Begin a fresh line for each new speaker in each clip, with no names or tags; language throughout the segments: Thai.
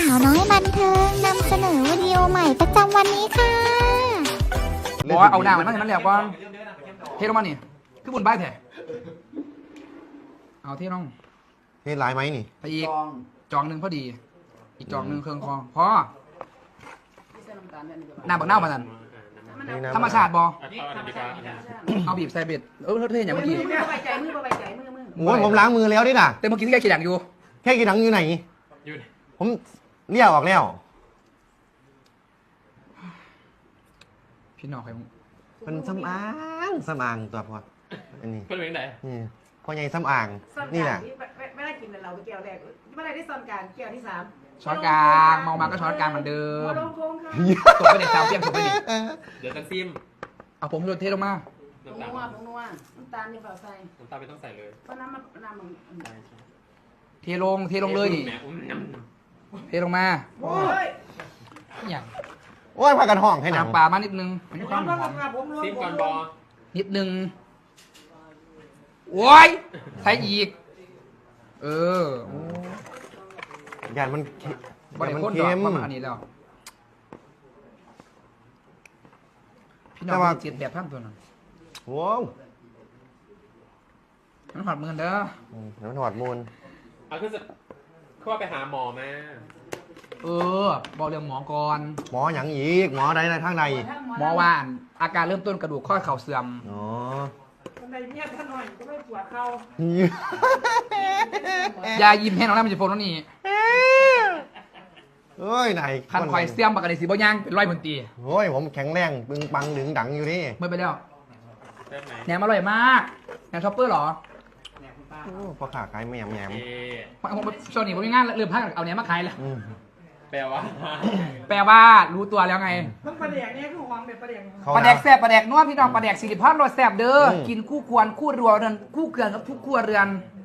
าวน้อยบันเทิงนำเสนอวิดีโอใหม่ประจำวันนี้ค่ะ
บอกว่าเอาหน้ามันมาเห็นมันแล้วก่อนเทลงมานี่คือบุญใบแท้เอาเทลง
เฮ้ยลายไหมนี่
ไปอีกจองหนึ่งพอดี อีกจองหนึ่งเครื่องคอพอหน้าบักเน่ามาสั่นธรรมชาติบอเอาบีบใส่เบ็ดเท่อย่างเมื่อกี้
มือใบใจมือมือ
โอ้ยผมล้างมือแล้วดิน่ะ
แต่เมื่อกี้ที่แกขีดอย่างอยู่
แค่กินหนังอยู่ไหนผมเลี้ยวออกแล้ว
พี่น้องใครมึง
เป็นสำอางตัวพออันนี้
เป็นยังไง
นี่พ่อใหญ่สำอาง
ซ่อน
นี่
กา
แห
ร
ละ
ไม่ได้กินเราแก้วแรกไม่ได้ซ่อนการแก้วที่สาม
ช้อนกลางมองมาก็ช้อนกลางเหมือนเดิ
ม
ม
ลงพงค่ะ
ตกไปในสามเตี้ยมตกไปดิ
เดี๋ยวจะซิม
เอาผมเทลงมา
ผง
น้ำตาล
นัวผงนัวน้ำตาลนี่เปล่าใส่
น้ำตาลไม่ต้องใส่เลย
เพราะน้ำมัน
เทลงเลยนี่
แหมอุ้มน้ำ
เทลงมา
โอ้ย
อย่าง
โอ้ยพากันห้องให้หนัง
น้ำปลามานิดนึงมันมีความหอม
ซิมก่อนบอ
นิดนึงโอ้ยใส่อีกโอ้
ยานมัน
บริ
มัน
โภคดอ
เค็
ก
ม
ประมาณอันนี้แล้วพี่น้องเจ็ดแบบท่านตัวนั้น
ว้าว
มันหอดมือเด้อ
เดี๋ยวมันหอดมูล
เอาขึ้นจะเข้าไปหาหมอมา
บอกเรื่องหมอก่อน
หมอหยังอีกหมอใดในทางใด
หมอว่าอาการเริ่มต้นกระดูกข้อเข่าเสื่อม
อ๋อ
คนใดเนี่ยท่านหน่อยก็ไม่ปวดเข่าย
ายิ้มให้น้องได้มันจะโฟนแล้วนี่
เอ้ยไหน
คันคอยเสื่อมปกติสีบ่ย่างเป็นร้อยบนตี
โอ้ยผมแข็งแรงปึงปังดึงดังอยู่นี่
เมื่อไปแล้ว
ได้ไหม
แหนมอร่อยมากแหนมช็อปเปอร์เหรอ
โอ้พอขาขายแหมม
ช่วงนี้ผมมีงานเริ่มพักเอาแหนมมาขายแล้ว
แปลว่า
แปลว่ารู้ตัวแล้วไง
ต้องประเดี๋ยวเนี่ยคือหวังแบบประเดี๋ยว
ปลาแดกแซ่บปลาแดกนัวพี่น้องปลาแดกสิริพัฒน์รสแซ่บเด้อกินคู่ควรคู่รัวเรือนคู่เกลือนกับทุกครัวเรือน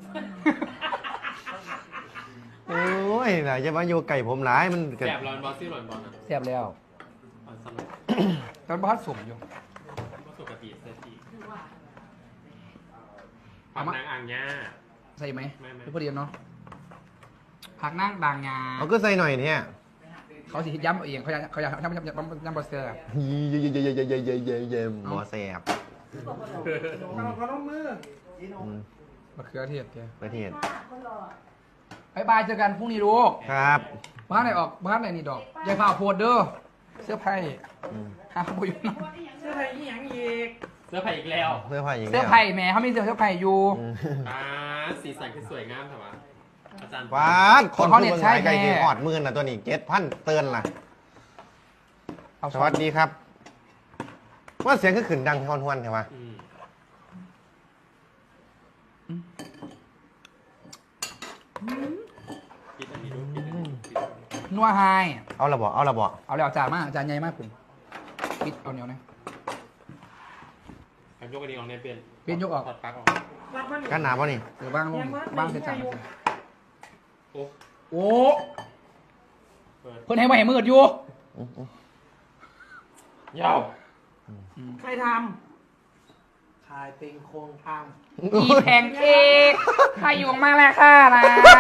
โอ้ยไหนจะมาอยู่ไก่ผมหลายมันเกิด
แสบร้อนบอสซี่ร้อนบอลนะ
แซ่บแล้ว
ร้อนสลัด
ตอนบ้านสมอยู่
ก็ปกติเซตีผักนางอ่างย่า
ใส่ไหม
ไม่
หรือพอดีเนาะผักนั่งบางงา
เอาก็ใส่หน่อยเนี่ย
เขาสิย้ำเอาเองเขาอยากย้ำบอสเซอร์
เยี่ยมหมอแสบ
เขาต้องมือ
มะเขือเทศแก
ประเทศ
บายบายเจอกันพรุ่งนี้ลูก
ครับ
บ้านไหนออกบ้านไหนนี่ดอกยายพาโพดเด้อเสื้อไผ่หาโบอยู่นะ
เสื้อไทยยี่หยังอีก
เสื้อผ้าอีกแล้ว
เสื้อผ้าอย่าง
เสื้อไผ่แหมเขามีเสื้อไผ่อยู่
สีสันคือสวยงามแต่ว่าอาจารย์
ว้าคนผู้เมืองไก่ที่หอดมื่นนะตัวนี้7,000เตือนล่ะ
เอา
สวัสดีครับ ว่าเสียงคือขืนดังทวนๆใช่ไหม
กินอันนี้ดูกินอันนี้
นัวไฮ
เอาละบ่เอาละบ่
เอาแล้วจานมากจานใหญ่มากผมปิดเอาเหนียวนะ
การยกอันนี้ออกในเป็น
เป็นยกออก
ถอดปลั๊กออก
รับมัน
กันหนาป่ะนี่
หรือบ้างลงบ้างเสร็จจาน
โอ้
โอ้
เปิด
เพิ่นให้มาให้มืดอยู่
ยาว
ใครท
ขายเป็นโครงทาง
อีแพนเค้กใครอยู่มากแล้วค่ะนะ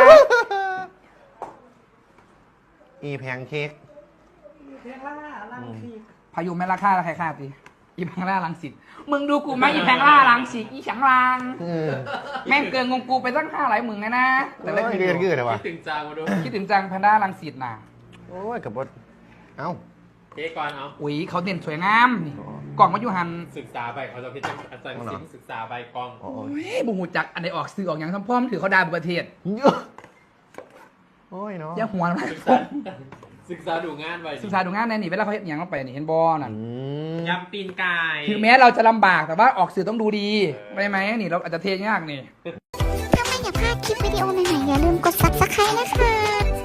อีแพงเค้ก
ำเพลงล่าลังที
พายุแม่ราคาใครค่าตีอีแพงล่าลังสิตมึงดูกูไหมอีแพงล่าลังสิตอีฉังลางแม่งเกินงงกูไปตั้ง500มึงนะแต่ละ
เดือนกืดเลยวะ
คิดถึงจางมาดู
คิดถึงจังแพนด้าลังสิตน่ะ
โอ้ยกับบดเอ้า
เจ๊ก่อนเอา
อุ้ยเขาเด่นสวยงามนี่กล่องมาอยู่หัน
ศึกษาไปเขาจะพิจารณาอาจารย์ซิมศึกษาไปกอง
โอ้
โอ้ยบูหูจักอันไหนออกสื่อออกอย่างทั้งพ่อมถือเขาดาบุประเทศ
โอ้ยเนาะ
อย่าหัวนะ
ศึกษาดูงานไป
ศึกษาดูงานแน่นี่เวลาเขาเห็นอย่างเข้าไปนี่เห็นบอน่ะ
ยำตีนไก่
ถึงแม้เราจะลำบากแต่ว่าออกสื่อต้องดูดีไม่ไหมนี่เราอาจจะเทยากนี่
ถ้าไม่อยากพลาดคลิปวิดีโอใหม่ๆอย่าลืมกด subscribe นะคะ